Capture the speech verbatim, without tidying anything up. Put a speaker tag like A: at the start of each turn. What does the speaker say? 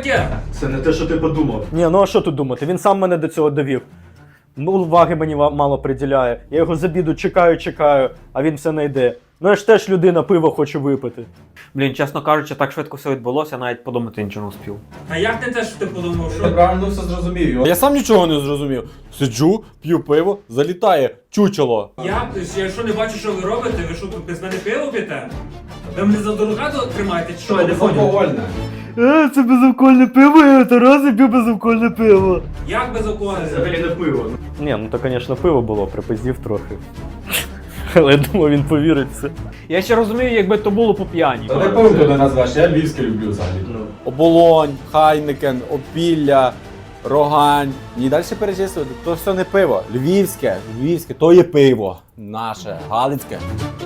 A: таке?
B: Це не те, що ти подумав.
C: Ні, ну а що тут думати? Він сам мене до цього довів. Ну, уваги мені ва- мало приділяє. Я його з обіду чекаю, чекаю, а він все не йде. Ну я ж теж людина, пиво хочу випити.
D: Блін, чесно кажучи, так швидко все відбулося, навіть подумати нічого не успів.
A: А як не те, що ти подумав,
B: Ти
A: що?
B: правильно все зрозумів.
E: Я сам нічого не зрозумів. Сиджу, п'ю пиво, залітає чучело.
A: Я, я що не бачу, що ви робите, ви що тут без мене пиво п'єте? Ви мене за дурака тримаєте, чи що? Я не поняв.
B: Алкогольне.
C: Е, це безалкогольне пиво, я Тарас п'ю безалкогольне пиво.
A: Як без алкоголю?
B: Це взагалі не пиво.
C: Ні, ну то, звісно, пиво було, припиздів трохи. Але я думав, він повірить в це.
D: Я ще розумію, якби то було по п'яні.
B: Та не пиво туди назвеш, я львівське люблю взагалі.
E: Оболонь, Хайникен, Опілля, Рогань. І далі перечислювати. То все не пиво. Львівське, львівське, то є пиво. Наше, галицьке.